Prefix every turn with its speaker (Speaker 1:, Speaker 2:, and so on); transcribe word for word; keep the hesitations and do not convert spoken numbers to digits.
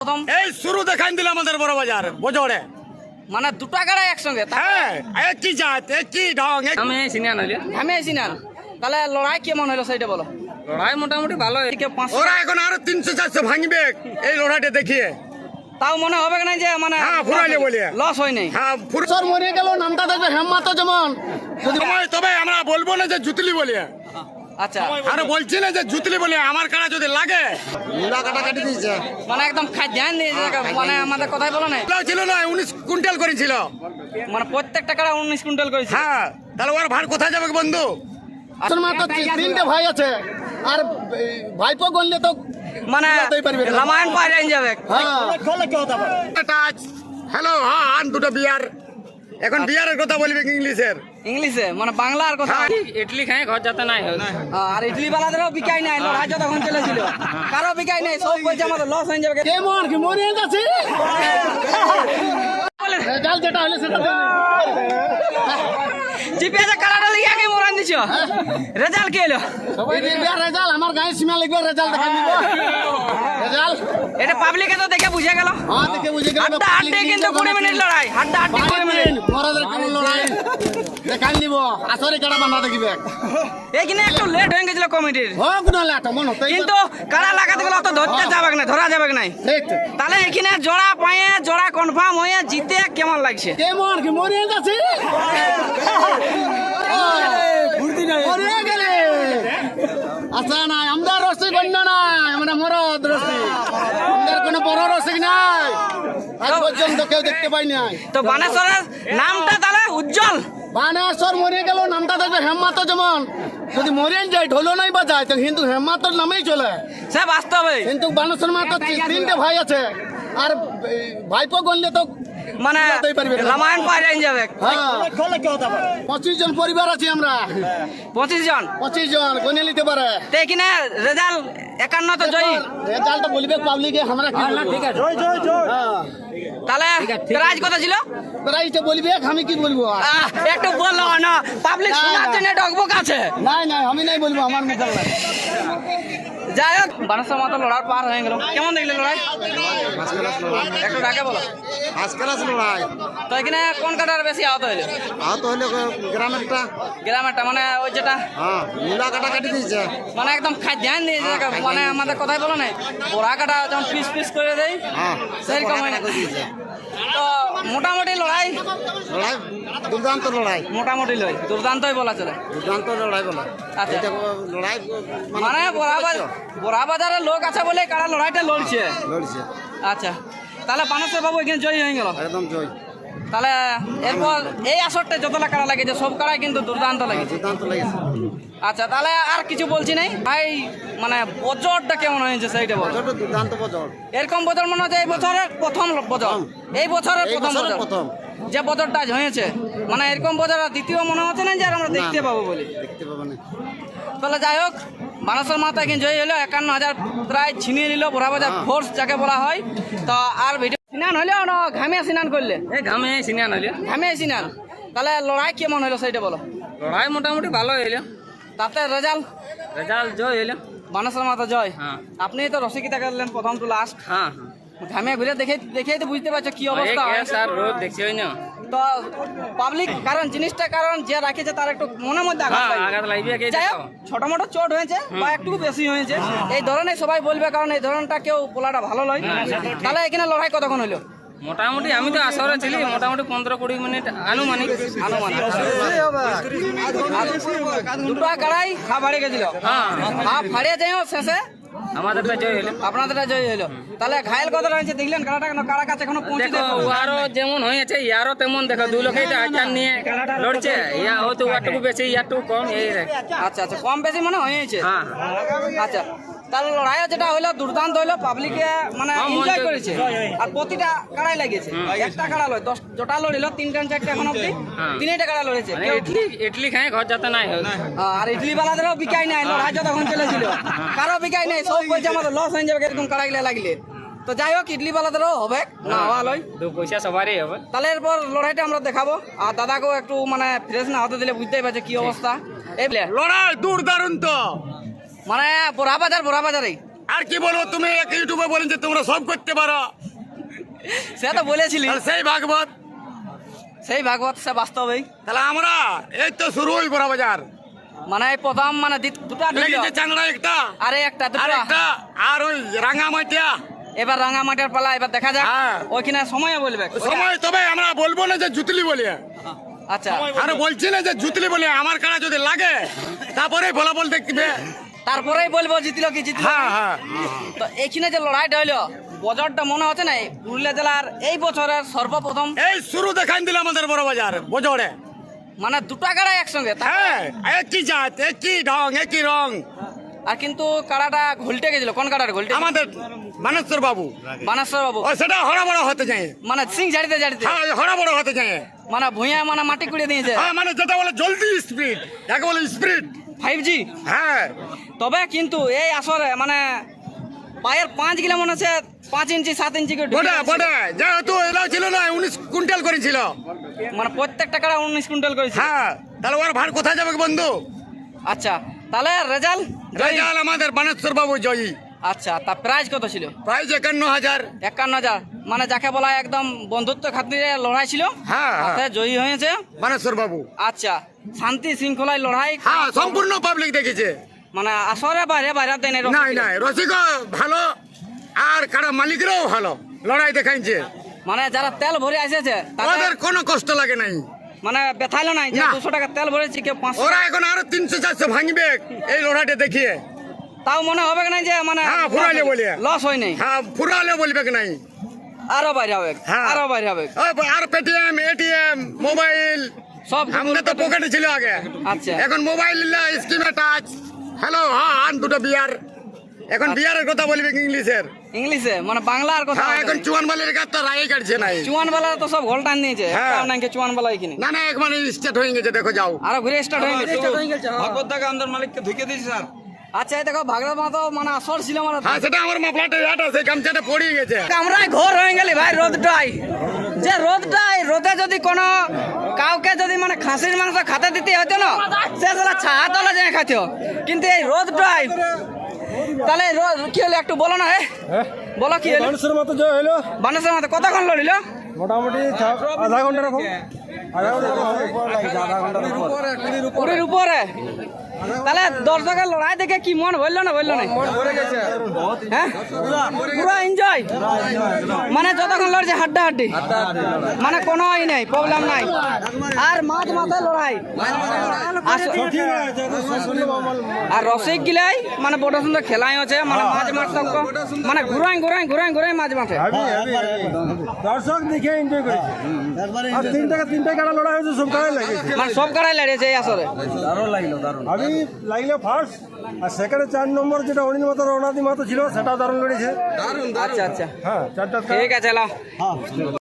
Speaker 1: প্রথম
Speaker 2: এই শুরু দেখাই দিল আমাদের বড় বাজার বজড়ে
Speaker 1: মানে দুটো গাড়ি একসঙ্গে
Speaker 2: হ্যাঁ একই জাত একই ঢং এক-
Speaker 3: আমি সিনিয়র হইলে
Speaker 1: আমি আইসি না তাহলে লড়াই কেমন হলো সেইটা বলো।
Speaker 3: লড়াই মোটামুটি ভালো
Speaker 1: এদিকে পাঁচশো
Speaker 2: ওরা এখন আরো তিনশো চারশো ভাঙবে এই লড়াইটা দেখিয়ে।
Speaker 1: তাও মনে হবে না যে মানে
Speaker 2: হ্যাঁ, ফুরাইলে বলিয়ে।
Speaker 1: লস হয় নাই।
Speaker 2: হ্যাঁ ফুর-
Speaker 4: সর মরে গেল নামটা দেখবে হেমমাত যেমন
Speaker 2: সময় তবে আমরা বলবো না যে জুতলি বলিয়ে,
Speaker 1: আচ্ছা
Speaker 2: আর বলছি না যে জুতলি বলিয়ে আমার কাটা যদি লাগে
Speaker 4: মুলা কাটা কাটি দিয়েছে
Speaker 1: মানে একদম খাদ্যান দিয়ে মানে আমাদের কথাই বলো নাই
Speaker 2: এগুলো ছিল না উনিশ কুইন্টাল করেছিল।
Speaker 1: মানে প্রত্যেকটা কাড়া উনিশ কুইন্টাল করেছে।
Speaker 2: হ্যাঁ তাহলে ওর ভার কোথায় যাবে বন্ধু?
Speaker 4: আসল মাত্র তিনটে ভাই আছে আর এই ভাইপো গনলে তো
Speaker 1: মানে
Speaker 4: বুঝাতেই পারবে না।
Speaker 1: রামায়ণ পাওয়া যাবে।
Speaker 4: হ্যাঁ
Speaker 2: টাচ হ্যালো হ্যাঁ আন দুটো বিয়ার, এখন বিয়ারের কথা বলবি ইংলিশের।
Speaker 1: ইংলিশে মানে বাংলা আর কথা।
Speaker 3: ইডলি খাই ঘর যেতে নাই হয়
Speaker 1: আর ইডলি বালাদেরও বিকাই নাই, লড়াই যতক্ষণ চলেছিল কারো বিকাই নাই, সব বলছে আমাদের লস হয়ে যাবে।
Speaker 4: কেমন কি মরে যাচ্ছে রেজাল্ট যেটা হলে সেটা
Speaker 1: জিপিএসে কালাটা লিখে আগে মোরান দিছো, রেজাল্ট কি হলো?
Speaker 4: সবাই দেখবে রেজাল্ট আমার গায়ে সীমা লিখবে রেজাল্ট দেখা নিব রেজাল্ট
Speaker 1: এটা পাবলিকে তো দেখে বুঝে গেল।
Speaker 4: হ্যাঁ দেখে বুঝে গেল
Speaker 1: হাড্ডা হাড্ডি কিন্তু কুড়ি মিনিট লড়াই, হাড্ডা হাড্ডি কুড়ি মিনিট।
Speaker 4: মরাদের কেমন লড়াই দেখাই নিব আসরে কেডা বান্ধা দেখিবে
Speaker 1: এইখানে একটু লেট হয়ে গেছিল কমিটির,
Speaker 4: হোক না লাটা মন হতে
Speaker 1: কিন্তু কারা লাগাতে গেলে অত ধরতে যাবে না, ধরা যাবে না।
Speaker 4: ঠিক
Speaker 1: তাহলে এখানে জোড়া পায়ে জোড়া কনফার্ম হয়ে জিতে কেমন লাগছে?
Speaker 4: কেমন কি মরে যাচ্ছে মরে গেলে আচ্ছা নাই আমাদের রসিক অন্য নাই আমরা মরদ রসিক আমাদের কোনো বড় রসিক নাই আজ পর্যন্ত কেউ দেখতে পাই নাই
Speaker 1: তো বানেশ্বরের নামটা তাহলে উজ্জ্বল।
Speaker 4: বানেশ্বর মরে গেল নামটা দেখবে হেমমাত যেমন যদি মরে যায় ঢোলো নাই বাজায় তো কিন্তু হেমমাতর নামেই চলে
Speaker 1: সে বাস্তবে
Speaker 4: কিন্তু বানেশ্বর মাত্র তিনটে ভাই আছে আর এই ভাইপো গনলে তো
Speaker 1: মানে
Speaker 4: বুঝাতেই পারবে না।
Speaker 1: রামায়ণ পাওয়া যাবে।
Speaker 4: হ্যাঁ পঁচিশ জন পরিবার আছি আমরা
Speaker 1: পঁচিশ জন
Speaker 4: পঁচিশ জন গনে নিতে পারে
Speaker 1: তো এখানে রেজাল্ট একান্ন তো জয়ী।
Speaker 4: রেজাল্টটা বলবে পাবলিকে আমরা কি বলবো? হ্যাঁ
Speaker 1: তাহলে প্রাইজ কত ছিল?
Speaker 4: প্রাইসটা বলবে আমি কি বলবো আর?
Speaker 1: আহ, একটু বললো না, পাবলিক শোনার জন্য ডকবক আছে।
Speaker 4: নাই নাই আমি নাই বলবো আমার মুখে লাগে।
Speaker 1: যাই হোক বানেশ্বর মাথা লড়ার পার হয়ে গেল, কেমন দেখলে লড়াই? একটু ডাকে বলো।
Speaker 4: আজকাল আসলো লড়াই
Speaker 1: তো এখানে কোন কাটার বেশি আহত হইলো?
Speaker 4: আহত হইলে গ্রামেরটা
Speaker 1: গ্রামেরটা মানে ওই যেটা
Speaker 4: হ্যাঁ মুলা কাটা কাটি দিয়েছে
Speaker 1: মানে একদম খাদ্যান দিয়ে মানে আমাদের কথাই বলো না, পোড়া কাটা যেমন পিস পিস করে দেয়
Speaker 4: হ্যাঁ
Speaker 1: সেরকম হয় না। তো মোটামুটি লড়াই
Speaker 4: লড়াই দুর্দান্ত লড়াই
Speaker 1: মোটামুটি লয় দুর্দান্তই বলা চলে।
Speaker 4: দুর্দান্ত লড়াই বলে
Speaker 1: আচ্ছা।
Speaker 4: এটা লড়াই
Speaker 1: মানে বড়া বাজার বড়া বাজারের লোক আছে বলে কারা লড়াইটা লড়ছে।
Speaker 4: লড়ছে
Speaker 1: আচ্ছা তাহলে বানেশ্বর বাবু এখানে জয়ী হয়ে গেল।
Speaker 4: একদম জয়
Speaker 1: তাহলে এরপর এই আসরটা যতটা কারা লাগেছে সব কারাই কিন্তু দুর্দান্ত লাগেছে।
Speaker 4: দুর্দান্ত লেগেছে
Speaker 1: আচ্ছা তাহলে আর কিছু বলছি নাই ভাই, মানে বজরটা কেমন হয়েছে সেইটা বল।
Speaker 4: বছরটা দুর্দান্ত বছর
Speaker 1: এরকম বছর মনে হচ্ছে এই বছরের প্রথম বছর, এই বছরের
Speaker 4: এই
Speaker 1: প্রথম
Speaker 4: বছরের
Speaker 1: বছর
Speaker 4: প্রথম
Speaker 1: যে বছরটা আজ হয়েছে, মানে এরকম বছর আর দ্বিতীয় মনে হচ্ছে না যে আর আমরা দেখতে পাবো বলে।
Speaker 4: দেখতে পাবো না
Speaker 1: তাহলে যাই হোক বানেশ্বর মাথা এখন জয়ী হলো, একান্ন হাজার প্রায় ছিনিয়ে নিল বড়া বাজার ফোর্স যাকে বলা হয়। তো আর ভিডিও স্নান হইলেও না ঘামে স্নান করলে
Speaker 3: এই ঘামে সিনিয়র হইলে
Speaker 1: ঘামে স্নান, তাহলে লড়াই কেমন হলো সেইটা বলো।
Speaker 3: লড়াই মোটামুটি ভালো হইলে
Speaker 1: তাতে রেজাল্ট
Speaker 3: রেজাল্ট জয় হইলে
Speaker 1: বানেশ্বর মাথা জয়।
Speaker 3: হ্যাঁ
Speaker 1: আপনি তো রসিকিতা করলেন প্রথম টু লাস্ট,
Speaker 3: হ্যাঁ
Speaker 1: ঘামে ঘুরে দেখে দেখেই তো বুঝতে পারছো কি
Speaker 3: হ্যাঁ
Speaker 1: অবস্থা হয়।
Speaker 3: স্যার রোদ দেখছি হয় না
Speaker 1: তো পাবলিক কারণ জিনিসটা কারণ যে রাখেছে তার একটু মনের মধ্যে আঘাত
Speaker 3: হ্যাঁ
Speaker 1: লাগবে।
Speaker 3: আঘাত লাগবে কে
Speaker 1: যাই হোক ছোট মোটো চোট হয়েছে বা একটু বেশি হয়েছে এই ধরনের সবাই বলবে, কারণ এই ধরনটা কেউ বলাটা ভালো নয়। তাহলে এখানে লড়াই কতক্ষণ হইলো?
Speaker 3: মোটামুটি আমি তো আসরে ছিলি মোটামুটি পনেরো কুড়ি মিনিট আনুমানিক
Speaker 1: আনুমানিক দুটো কাড়াই হাফ হারিয়ে গেছিল,
Speaker 3: হ্যাঁ
Speaker 1: হাফ হারিয়ে যাই শেষে
Speaker 3: আমাদেরটা জয় হইলে
Speaker 1: আপনাদেরটা জয় হইলো। তাহলে ঘায়ল কত হয়েছে দেখলেন, কাড়াটা কেন কাড়া কাছে এখনো পৌঁছে
Speaker 3: দেখো উহারও যেমন হয়েছে ইয়ারও তেমন, দেখো দুই লোকেই তো আচার নিয়ে লড়ছে, ইয়া হয়তো উহারটুকু বেশি ইয়ারটুকু কম এই রে।
Speaker 1: আচ্ছা আচ্ছা কম বেশি মানে হয়েছে।
Speaker 3: হ্যাঁ
Speaker 1: আচ্ছা তাহলে লড়াইও যেটা হইলো দুর্দান্ত হইলো, পাবলিকে মানে
Speaker 3: হ্যাঁ,
Speaker 1: এনজয়
Speaker 3: মন-
Speaker 1: করেছে আর প্রতিটা কাড়াই লাগিয়েছে। একটা কাড়া লয় দশ জোটা লড়িল তিনটা চারটা এখন অব্দি
Speaker 3: হ্যাঁ।
Speaker 1: তিনটা কাড়া লড়েছে
Speaker 3: মানে
Speaker 1: কেউ
Speaker 3: ইডলি ইডলি খাই ঘর যেতে নাই হয়
Speaker 1: আর ইডলি বালাদেরও বিকাই নাই, লড়াই যতক্ষণ চলেছিল কারো বিকাই নাই, সব বলছে আমাদের লস হয়ে যাবে এরকম কাড়াইলে লাগলে। তো যাই হোক ইডলি বালাদেরও হবে না হওয়া লয়।
Speaker 3: দু পয়সা সবারই হবে।
Speaker 1: তাহলে এরপর লড়াইটা আমরা দেখাবো আর দাদাকেও একটু মানে ফ্রেশ না হতে দিলে বুঝতেই পারছে কি অবস্থা। এই বলে
Speaker 2: লড়াই দূর দারুণ তো
Speaker 1: মানে বড়া বাজার বড়া বাজারে
Speaker 2: আর কি বলবো, তুমি এক ইউটিউবে বলেন যে তোমরা সব করতে পারো,
Speaker 1: সে তো বলেছিলি,
Speaker 2: আর সেই ভাগবত,
Speaker 1: সেই ভাগবত সে বাস্তবেই।
Speaker 2: তাহলে আমরা এই তো শুরু হই বড় বাজার,
Speaker 1: মানে এই প্রথম মানে দ্বিত- দুটা ঢুকলো,
Speaker 2: লেগেছে চাংড়া একটা
Speaker 1: আরে একটা
Speaker 2: আর
Speaker 1: দুটো,
Speaker 2: একটা আর ওই রাঙামাটিয়া।
Speaker 1: এবার রাঙামাটির পালা, এবার দেখা যাক
Speaker 2: হ্যাঁ।
Speaker 1: ওইখানে সময় বলবে।
Speaker 2: সময় তবে আমরা বলবো না যে জুতলি বলি,
Speaker 1: আচ্ছা,
Speaker 2: আর বলছি না যে জুতলি বলি, আমার কারা যদি লাগে তারপরে ফলাফল দেখবে।
Speaker 1: তারপরেই বলবো জিতলো কি জিতলো।
Speaker 2: হ্যাঁ হ্যাঁ
Speaker 1: তো এইখানে যে লড়াইটা হইলো, বজরটা মনে হচ্ছে না এই পুরুলিয়া জেলার এই বছরের সর্বপ্রথম,
Speaker 2: এই শুরু দেখাই দিল আমাদের বড় বাজার বজরে।
Speaker 1: মানে দুটা কাড়া একসঙ্গে তা-
Speaker 2: হ্যাঁ একই জাত, একই ঢং, একই রং।
Speaker 1: আর কিন্তু কাড়াটা ঘুলটে গেছিল। কোন কাড়াটা ঘুলটে?
Speaker 2: আমাদের মানেশ্বর বাবু,
Speaker 1: বানেশ্বর বাবু,
Speaker 2: ও সেটা হরা বড় হতে যায়,
Speaker 1: মানে সিং ঝাড়িতে ঝাড়িতে,
Speaker 2: হ্যাঁ হরা বড় হতে যায়,
Speaker 1: মানে ভুঁইয়া মানে মাটি কুড়িয়ে দিয়েছে
Speaker 2: হ্যাঁ মানে যেটা বলে জলদি স্পিড, যাকে বলে স্পিড।
Speaker 1: Five G.
Speaker 2: হ্যাঁ
Speaker 1: তবে কিন্তু এই আসরে মানে পায়ের পাঁচ গিলা মনে হচ্ছে পাঁচ ইঞ্চি সাত ইঞ্চি করে ঢুকে
Speaker 2: বটে
Speaker 1: গেছে।
Speaker 2: বটে, যেহেতু এলাও ছিল না উনিশ কুইন্টাল করেছিল,
Speaker 1: মানে প্রত্যেকটা কাড়া উনিশ কুইন্টাল করেছে।
Speaker 2: হ্যাঁ তাহলে ওর ভার কোথায় যাবে বন্ধু?
Speaker 1: আচ্ছা, তাহলে রেজাল্ট
Speaker 2: রেজাল আমাদের বানেশ্বর বাবু জয়ী,
Speaker 1: আচ্ছা, তা প্রাইস কত ছিল?
Speaker 2: প্রাইজ একান্ন হাজার।
Speaker 1: একান্ন হাজার, মানে যাকে বলা হয় একদম বন্ধুত্ব খাতিরে লড়াই ছিল,
Speaker 2: হ্যাঁ হ্যাঁ
Speaker 1: তাতে জয়ী হয়েছে।
Speaker 2: বানেশ্বর বাবু,
Speaker 1: আচ্ছা, শান্তি শৃঙ্খলায় লড়াই,
Speaker 2: হ্যাঁ সম্পূর্ণ পাবলিক দেখেছে।
Speaker 1: মানে আসরে বাইরে বাইরে দেয় নাই
Speaker 2: নাই নাই রসিক ভালো, আর কারা মালিকরাও ভালো লড়াই দেখাইছে,
Speaker 1: মানে যারা তেল ভরে এসেছে তাদের
Speaker 2: ওদের কোনো কষ্ট লাগে নাই।
Speaker 1: মানে ব্যথাইলো নাই যে
Speaker 2: না।
Speaker 1: দুশো টাকা তেল ভরেছি কেউ পাঁচশো,
Speaker 2: ওরা এখন আরো তিনশো চারশো ভাঙবে এই লড়াইটা দেখিয়ে।
Speaker 1: তাও মনে হবে না যে মানে
Speaker 2: হ্যাঁ, ফুরাইলে বলি।
Speaker 1: লস হয় নাই,
Speaker 2: হ্যাঁ ফুরালে বলবে কি নাই,
Speaker 1: আরো বাইরে হবে,
Speaker 2: হ্যাঁ।
Speaker 1: আরো বাইরে হবে
Speaker 2: ওই আর পেটিএম এটিএম মোবাইল
Speaker 1: সব।
Speaker 2: আমাদের তো পকেটে ছিল আগে,
Speaker 1: আচ্ছা,
Speaker 2: এখন মোবাইল স্কিমে টাচ। হ্যালো হ্যাঁ আন দুটো বিয়ার, এখন বিয়ারের কথা বলবে কি ইংলিশের?
Speaker 1: ইংলিশে মানে বাংলার কথা
Speaker 2: হ্যাঁ এখন চুয়ান বালির কাজ তো রায় কাটছে নাই,
Speaker 1: চুয়ান বেলা তো সব ঘোল টান নিয়েছে,
Speaker 2: হ্যাঁ।
Speaker 1: একটাও নাই কি চুয়ান বেলা এখানে,
Speaker 2: না না একবার স্টার্ট হয়ে গেছে, দেখো যাও।
Speaker 1: আরো ঘুরে স্টার্ট হয়ে গেছে।
Speaker 5: ভাগবত দাকে আমাদের মালিককে ঢুকে দিয়েছি স্যার।
Speaker 1: আচ্ছা, এই দেখো ভাগরা মা তো মানে আসর ছিল মানে
Speaker 2: হ্যাঁ সেটা আমার মাফলাটা ইয়াটা সেই গামছাটা পড়িয়ে গেছে।
Speaker 1: আমরাই ঘোর হয়ে গেলি ভাই রোদটাই, যে রোদটাই রোদে যদি কোনো কাউকে যদি মানে খাসির মাংস খাতে দিতে হতো না, সে সালা ছায়া তলে যায় খাইতো, কিন্তু এই রোদটাই তাহলে এই রোদ কি হলো একটু বলো না, হে বলো কি হলো?
Speaker 5: মানুষের মতো জয় হলো
Speaker 1: বানেশ্বর মাথা কতক্ষণ লড়িল?
Speaker 5: মোটামুটি আধা ঘন্টা রকম, আধা ঘন্টা
Speaker 1: কুড়ির উপরে। তাহলে দর্শকের লড়াই দেখে কি মন বললো না বললো না? হ্যাঁ পুরো এনজয়, মানে যতক্ষণ লড়ছে হাড্ডা হাড্ডি, মানে কোনো ই নাই, প্রবলেম নাই। আর মাঝ মাথায় লড়াই, আস- আর রসিক গিলাই মানে বড় সুন্দর খেলাই আছে, মানে মাঝ মাঠ তক মানে ঘুরাই ঘুরাই ঘুরাই ঘুরাই মাঝ মাঠে।
Speaker 5: দর্শক দেখে এনজয় করেছে, আর তিনটা তিনটা কাটা লড়াই হয়েছে, সব কাটাই লাগেছে,
Speaker 1: মানে সব কাড়াই লড়িয়েছে এই আসরে।
Speaker 5: আমি লাগলে ফার্স্ট, আর সেকেন্ডে চার নম্বর যেটা অনিল মাতার অনাদি মাতা ছিল সেটাও দারুণ লড়েছে।
Speaker 1: আচ্ছা আচ্ছা,
Speaker 5: হ্যাঁ চারটা
Speaker 1: ঠিক আছে, এলাম।